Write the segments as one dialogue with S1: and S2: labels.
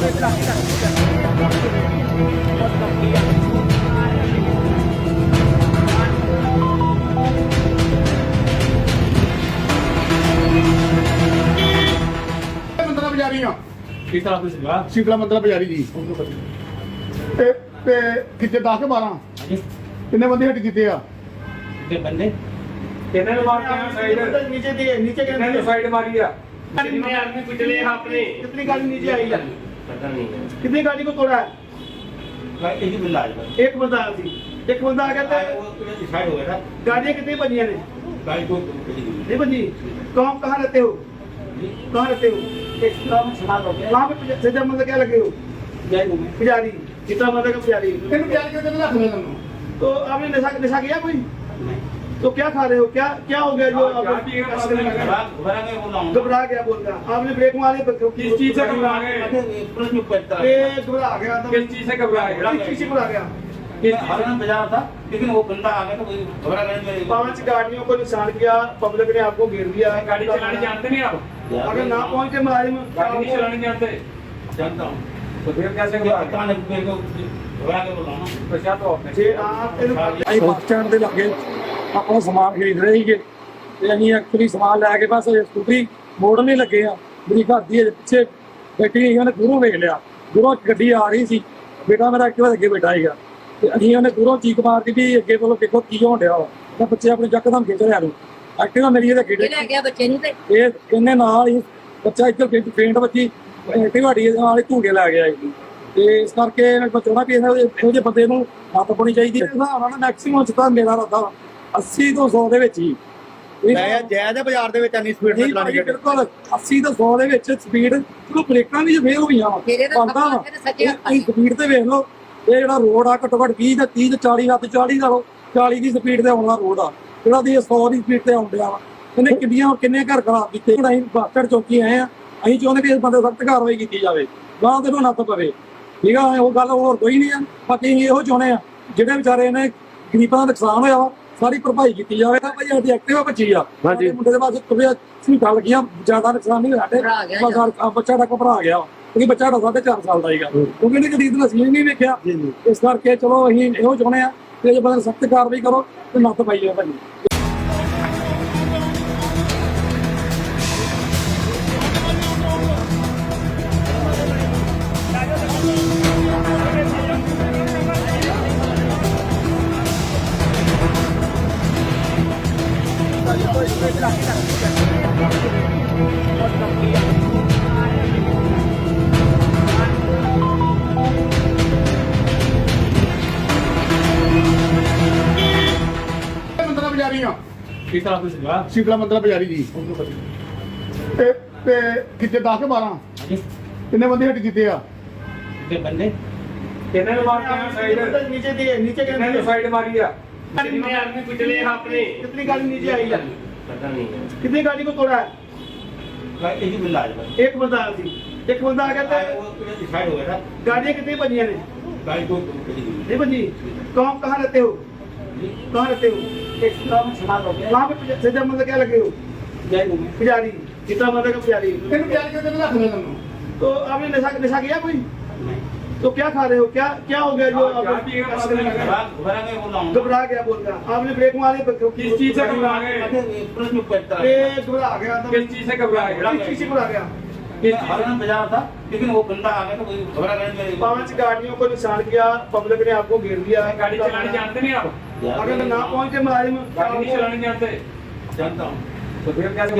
S1: ਮੰਦਰਾ ਬਾਜ਼ਾਰੀ ਆ
S2: ਕਿਸ ਤਰ੍ਹਾਂ ਤੋਂ ਸੀਗਾ
S1: ਸ਼ੀਤਲਾ ਮੰਦਰਾ ਬਾਜ਼ਾਰੀ ਜੀ ਤੇ ਕਿੱਥੇ 10 ਕੇ 12
S2: ਹਾਂਜੀ
S1: ਕਿੰਨੇ ਬੰਦੇ ਹੱਟ ਕੀਤੇ ਆ
S2: ਤੇ ਬੰਦੇ ਕਿੰਨੇ ਨੂੰ ਮਾਰ ਕੇ ਸਾਈਡ
S1: नीचे
S2: ਕਿੰਨੇ ਨੂੰ ਸਾਈਡ ਮਾਰੀ ਆ
S1: कितने आदमी पिछले आपने कितनी गाड़ी नीचे आई है
S2: ਪਤਾ ਨਹੀਂ
S1: कितनी गाड़ी को तोड़ा है
S2: ਮੈਂ ਇਹੀ ਬਿੱਲ ਆ ਜਾਣਾ
S1: एक बंदा आया थी एक बंदा आ गया था
S2: ਉਹ ਸਾਈਡ ਹੋ ਗਿਆ ਨਾ
S1: गाड़ियाँ कितनी बजियां ने
S2: ਗਾੜੀ को
S1: नहीं बजी कहाँ रहते हो कहाँ रहते हो
S2: एक काम सुना दो
S1: वहाँ पे सजा मतलब क्या लगे हो
S2: जय गुरु
S1: पुजारी जितना मतलब का पुजारी कितने पुजारी के कितने रख रहे तुम तो आपने नशा किया कोई तो क्या खा रहे हो क्या हो गया जो घबरा गया बोल रहा आपने ब्रेक मारे
S2: किस चीज से घबरा गए प्रश्न करता है
S1: घबरा गया
S2: किस चीज से घबरा गए
S1: किस चीज से घबरा गया
S2: हरियाणा बाजार था लेकिन वो बंदा आ गया तो घबरा गए
S1: 5 गाड़ियों को नुकसान किया पब्लिक ने आपको घेर दिया
S2: गाड़ी चलानी जानते नहीं आप
S1: अगर ना पहुंचे मुलाजिम
S2: गाड़ी नहीं चलानी जानते जानता हूँ तो फिर कैसे घबरा के बोला ना तो क्या तो आपने
S1: जे आप
S3: ਅਸੀਂ ਬੱਸ ਸਟੈਂਡ ਦੇ ਲਾਗੇ ਆਪਣਾ ਸਮਾਨ ਖਰੀਦ ਰਹੇ ਸੀਗੇ ਤੇ ਅਸੀਂ ਐਕਚੁਅਲੀ ਸਮਾਨ ਲੈ ਕੇ ਬਸ ਸਕੂਟਰੀ ਮੋੜਨ ਨਹੀਂ ਲੱਗੇ ਆ ਮੇਰੀ ਘਰ ਦੀ ਪਿੱਛੇ ਬੈਠੀ ਸੀ ਉਹਨੇ ਦੂਰੋਂ ਵੇਖ ਲਿਆ ਦੂਰੋਂ ਗੱਡੀ ਆ ਰਹੀ ਸੀ ਬੇਟਾ ਮੇਰਾ ਐਕਟਿਵਾ ਅੱਗੇ ਬੈਠਾ ਸੀਗਾ ਤੇ ਅਸੀਂ ਉਹਨੇ ਦੂਰੋਂ ਚੀਕ ਮਾਰਦੀ ਵੀ ਅੱਗੇ ਬੋਲੋ ਦੇਖੋ ਕੀ ਹੋਣ ਡਿਆ ਵਾ ਤਾਂ ਬੱਚੇ ਆਪਣੇ ਯਕਦਮ ਖਿੱਚ ਲਿਆ ਨੂੰ ਐਕਟਿਵਾ ਮੇਰੀ ਇਹਦੇ ਅੱਗੇ
S4: ਲੈ ਗਿਆ ਬੱਚੇ ਨੂੰ ਤੇ
S3: ਇਹ ਇਹਨੇ ਨਾਲ ਹੀ ਬੱਚਾ ਇੱਧਰ ਪੇਂਟ ਵੱਜੀ ਢਿਵਾੜੀ ਨਾਲ ਹੀ ਝੂਟੇ ਲੈ ਗਿਆ ਜੀ ਤੇ ਇਸ ਕਰਕੇ ਮੈਂ ਚਾਹੁੰਦਾ ਵੀ ਇਹੋ ਜਿਹੇ ਬੰਦੇ ਨੂੰ ਹੱਥ ਪਾਉਣੀ ਚਾਹੀਦੀ ਹੈ ਹਿਸਾਬ ਨਾਲ ਮੈਕਸਿਮਮ ਚ ਤਾਂ ਮੇਰਾ ਰੱਦਾ 80 ਤੋਂ 100 ਦੇ ਵਿੱਚ ਹੀ
S1: ਜਾਇਜ਼ ਬਾਜ਼ਾਰ ਦੇ ਵਿੱਚ ਇੰਨੀ ਸਪੀਡ
S3: ਨਹੀਂ ਭਾਜੀ ਬਿਲਕੁਲ 80 ਤੋਂ 100 ਦੇ ਵਿੱਚ ਸਪੀਡ ਚਲੋ ਬ੍ਰੇਕਾਂ ਵੀ ਫੇਲ ਹੋਈਆਂ ਵਾ
S4: ਮੇਰੇ ਤਾਂ
S3: ਬੰਦਾ ਵਾ
S4: ਸੱਚੇ
S3: ਇਹ ਸਪੀਡ ਤੇ ਵੇਖ ਲਓ ਇਹ ਜਿਹੜਾ ਰੋਡ ਆ ਘੱਟੋ ਘੱਟ 20 ਤੇ 30 ਤੇ 40 ਲੱਤ 40 ਦਾ 40 ਦੀ ਸਪੀਡ ਤੇ ਆਉਣ ਵਾਲਾ ਰੋਡ ਆ ਜਿਹੜਾ ਦੀ 100 ਦੀ ਸਪੀਡ ਤੇ ਆਉਣ ਡਿਆ ਵਾ ਇਹਨੇ ਕਿੰਨੇ ਘਰ ਖਰਾਬ ਕੀਤੇ ਹੁਣ ਅਸੀਂ ਬਾਸਟਰ ਚੌਕੀ ਆਏ ਆ ਅਸੀਂ ਚਾਹੁੰਦੇ ਵੀ ਇਸ ਬੰਦੇ ਸਖਤ ਕਾਰਵਾਈ ਕੀਤੀ ਜਾਵੇ ਗਾਂ ਦੇ ਨੂੰ ਨੱਥ ਪਵੇ ਠੀਕ ਆ ਉਹ ਗੱਲ ਹੋਰ ਕੋਈ ਨਹੀਂ ਆ ਬਾਕੀ ਅਸੀਂ ਇਹੋ ਚਾਹੁੰਦੇ ਆ ਜਿਹੜੇ ਵਿਚਾਰੇ ਨੇ ਗਰੀਬਾਂ ਦਾ ਨੁਕਸਾਨ ਹੋਇਆ ਵਾ ਸਾਰੀ ਭਰਪਾਈ ਕੀਤੀ ਜਾਵੇ ਤਾਂ ਭਾਈ ਸਾਡੀ ਐਕਟਿਵਾ ਬੱਚੀ ਆ ਸਾਡੇ ਮੁੰਡੇ ਦੇ ਪਾਸ ਤੁਰਿਆ ਸੀਟਾਂ ਲੱਗੀਆਂ ਜ਼ਿਆਦਾ ਨੁਕਸਾਨ ਨਹੀਂ ਹੋਇਆ ਸਾਡੇ ਬੱਚਾ ਦਾ ਘਬਰਾ ਗਿਆ ਕਿਉਂਕਿ ਬੱਚਾ ਦਾ 4.5 ਸਾਲ ਦਾ ਸੀਗਾ ਕਿਉਂਕਿ ਇਹਨੇ ਕਦੀ ਇਤਨਾ ਸੀਨ ਨਹੀਂ ਵੇਖਿਆ ਇਸ ਕਰਕੇ ਚਲੋ ਅਸੀਂ ਇਹੋ ਚਾਹੁੰਦੇ ਆ ਕਿ ਜੇ ਬੰਦੇ ਸਖਤ ਕਾਰਵਾਈ ਕਰੋ ਤੇ ਨੱਥ ਪਾਈ ਜਾਵੇ ਭਾਈ
S1: ਮੰਦਰਾ ਬਾਜ਼ਾਰੀ ਆ
S2: किस तरह ਤੋਂ ਸੀਗਾ
S1: ਸ਼ੀਤਲਾ ਮੰਦਰਾ ਬਾਜ਼ਾਰੀ ਜੀ ਤੇ ਕਿੱਥੇ 10 ਕੇ 12
S2: ਹਾਂਜੀ
S1: ਕਿੰਨੇ ਬੰਦੇ ਹੱਟ ਕੀਤੇ ਆ
S2: ਤੇ ਬੰਦੇ ਕਿੰਨੇ ਨੂੰ ਮਾਰ ਕੇ ਸਾਈਡ
S1: नीचे
S2: ਕਿੰਨੇ ਨੂੰ ਸਾਈਡ ਮਾਰੀ ਆ
S1: कितने आदमी पिछले आपने कितनी गाड़ी नीचे आई है
S2: ਪਤਾ ਨਹੀਂ
S1: कितनी गाड़ी को तोड़ा है
S2: ਮੈਂ ਇਹੀ ਬਿੱਲ ਆ ਜਾਣਾ
S1: एक बंदा आया थी एक बंदा आ गया था
S2: ਉਹ ਸਾਈਡ ਹੋ ਗਿਆ ਨਾ
S1: गाड़ियाँ कितनी बजियां ने
S2: ਗਾੜੀ को
S1: नहीं बजी कहाँ रहते हो कहाँ रहते हो
S2: एक काम सुना दो
S1: वहाँ पे सजा मतलब क्या लगे हो
S2: जय गुरु
S1: पुजारी जितना मतलब का पुजारी कितने पुजारी के कितने रख रहे तुम तो आपने नशा किया कोई तो क्या खा रहे हो क्या हो गया जो
S2: घबरा के बोला हूँ
S1: घबरा गया बोल रहा आपने ब्रेक मारे
S2: किस चीज से घबरा गए प्रश्न करता है
S1: घबरा गया
S2: किस चीज से घबरा गए
S1: किस चीज से घबरा गया
S2: हरियाणा बाजार था लेकिन वो बंदा आ गया तो घबरा गए
S1: 5 गाड़ियों को नुकसान किया पब्लिक ने आपको घेर दिया
S2: गाड़ी चलानी जानते नहीं आप
S1: अगर ना पहुंचे मुलाजिम
S2: गाड़ी नहीं चलानी जानते जानता हूँ तो फिर कैसे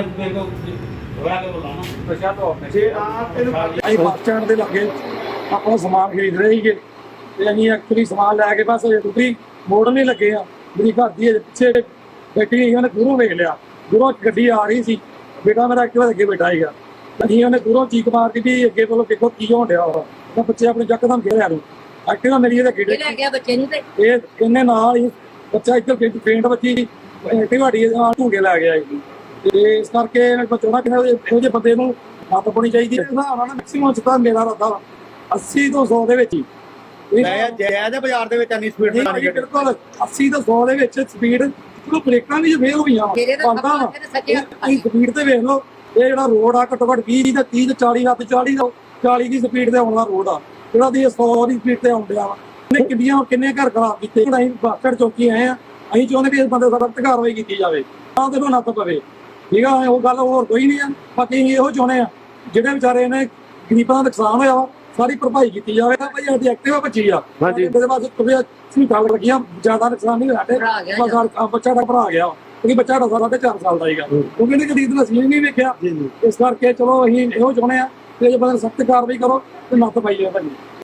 S2: घबरा के बोला ना तो क्या तो आपने
S1: जे आप
S3: ਅਸੀਂ ਬੱਸ ਸਟੈਂਡ ਦੇ ਲਾਗੇ ਆਪਣਾ ਸਮਾਨ ਖਰੀਦ ਰਹੇ ਸੀਗੇ ਤੇ ਅਸੀਂ ਐਕਚੁਅਲੀ ਸਮਾਨ ਲੈ ਕੇ ਬਸ ਸਕੂਟਰੀ ਮੋੜਨ ਨਹੀਂ ਲੱਗੇ ਆ ਮੇਰੀ ਘਰ ਦੀ ਪਿੱਛੇ ਬੈਠੀ ਸੀ ਉਹਨੇ ਦੂਰੋਂ ਵੇਖ ਲਿਆ ਦੂਰੋਂ ਗੱਡੀ ਆ ਰਹੀ ਸੀ ਬੇਟਾ ਮੇਰਾ ਐਕਟਿਵਾ ਅੱਗੇ ਬੈਠਾ ਸੀਗਾ ਅਸੀਂ ਉਹਨੇ ਦੂਰੋਂ ਚੀਕ ਮਾਰਦੀ ਵੀ ਅੱਗੇ ਬੋਲੋ ਦੇਖੋ ਕੀ ਹੋਣ ਡਿਆ ਵਾ ਤਾਂ ਬੱਚੇ ਆਪਣੇ ਯਕਦਮ ਖਿੱਚ ਲਿਆ ਨੂੰ ਐਕਟਿਵਾ ਮੇਰੀ ਇਹਦੇ ਅੱਗੇ
S4: ਲੈ ਗਿਆ ਬੱਚੇ ਨੂੰ ਤੇ
S3: ਇਹ ਇਹਨੇ ਨਾਲ ਹੀ ਬੱਚਾ ਇੱਧਰ ਪੇਂਟ ਵੱਜੀ ਢਿਵਾੜੀ ਨਾਲ ਝੂਟੇ ਲੈ ਗਿਆ ਜੀ ਤੇ ਇਸ ਕਰਕੇ ਮੈਂ ਚਾਹੁੰਦਾ ਕਿ ਇਹੋ ਜਿਹੇ ਬੰਦੇ ਨੂੰ ਹੱਥ ਪਾਉਣੀ ਚਾਹੀਦੀ ਹੈ ਹਿਸਾਬ ਨਾਲ ਮੈਕਸਿਮਮ ਚ ਤਾਂ ਮੇਰਾ ਰੱਦਾ 80 ਤੋਂ 100 ਦੇ ਵਿੱਚ ਹੀ
S1: ਜਾਇਜ਼ ਬਾਜ਼ਾਰ ਦੇ ਵਿੱਚ ਇੰਨੀ ਸਪੀਡ
S3: ਨਹੀਂ ਭਾਜੀ ਬਿਲਕੁਲ 80 ਤੋਂ 100 ਦੇ ਵਿੱਚ ਸਪੀਡ ਚਲੋ ਬ੍ਰੇਕਾਂ ਵੀ ਫੇਲ ਹੋਈਆਂ ਵਾ
S4: ਮੇਰੇ ਤਾਂ
S3: ਬੰਦਾ ਵਾ
S4: ਸੱਚੇ
S3: ਇਹ ਸਪੀਡ ਤੇ ਵੇਖ ਲਓ ਇਹ ਜਿਹੜਾ ਰੋਡ ਆ ਘੱਟੋ ਘੱਟ 20 ਤੇ 30 ਤੇ 40 ਲੱਤ 40 ਦਾ 40 ਦੀ ਸਪੀਡ ਤੇ ਆਉਣ ਵਾਲਾ ਰੋਡ ਆ ਜਿਹੜਾ ਦੀ 100 ਦੀ ਸਪੀਡ ਤੇ ਆਉਂਦਿਆ ਵਾ ਇਹਨੇ ਕਿੰਨੇ ਘਰ ਖਰਾਬ ਕੀਤੇ। ਅਸੀਂ ਬੱਸ ਸਟੈਂਡ ਚੌਕੀ ਆਏ ਆ, ਅਸੀਂ ਚਾਹੁੰਦੇ ਵੀ ਇਸ ਬੰਦੇ ਦਾ ਸਖਤ ਕਾਰਵਾਈ ਕੀਤੀ ਜਾਵੇ ਤਾਂ ਤੇ ਨੱਥ ਪਵੇ। ਠੀਕ ਆ, ਉਹ ਗੱਲ ਹੋਰ ਕੋਈ ਨਹੀਂ ਆ। ਬਾਕੀ ਅਸੀਂ ਇਹੋ ਚਾਹੁੰਦੇ ਆ ਜਿਹੜੇ ਵਿਚਾਰੇ ਨੇ ਗਰੀਬਾਂ ਦਾ ਨੁਕਸਾਨ ਹੋਇਆ ਵਾ ਸਾਰੀ ਭਰਪਾਈ ਕੀਤੀ ਜਾਵੇ। ਭਾਈ ਸਾਡੀ ਐਕਟਿਵਾ ਭੱਜੀ ਆ, ਇਹਦੇ ਬਾਅਦ ਸੀਟਾਂ ਲੱਗੀਆਂ, ਜ਼ਿਆਦਾ ਨੁਕਸਾਨ ਨਹੀਂ ਹੋਇਆ ਸਾਡੇ ਬੱਚਾ ਦਾ ਭਰਾ ਗਿਆ ਕਿਉਂਕਿ ਬੱਚਾ ਦਾ 4.5 ਸਾਲ ਦਾ ਸੀਗਾ ਕਿਉਂਕਿ ਇਹਨੇ ਕਦੀ ਇਤਨਾ ਸੀਨ ਨਹੀਂ ਵੇਖਿਆ। ਇਸ ਕਰਕੇ ਚਲੋ ਅਸੀਂ ਇਹੋ ਚਾਹੁੰਦੇ ਆ ਕਿ ਜੇ ਬੰਦੇ ਸਖਤ ਕਾਰਵਾਈ ਕਰੋ ਤੇ ਨੱਥ ਪਾਈ ਜਾਵੇ ਭਾਜੀ।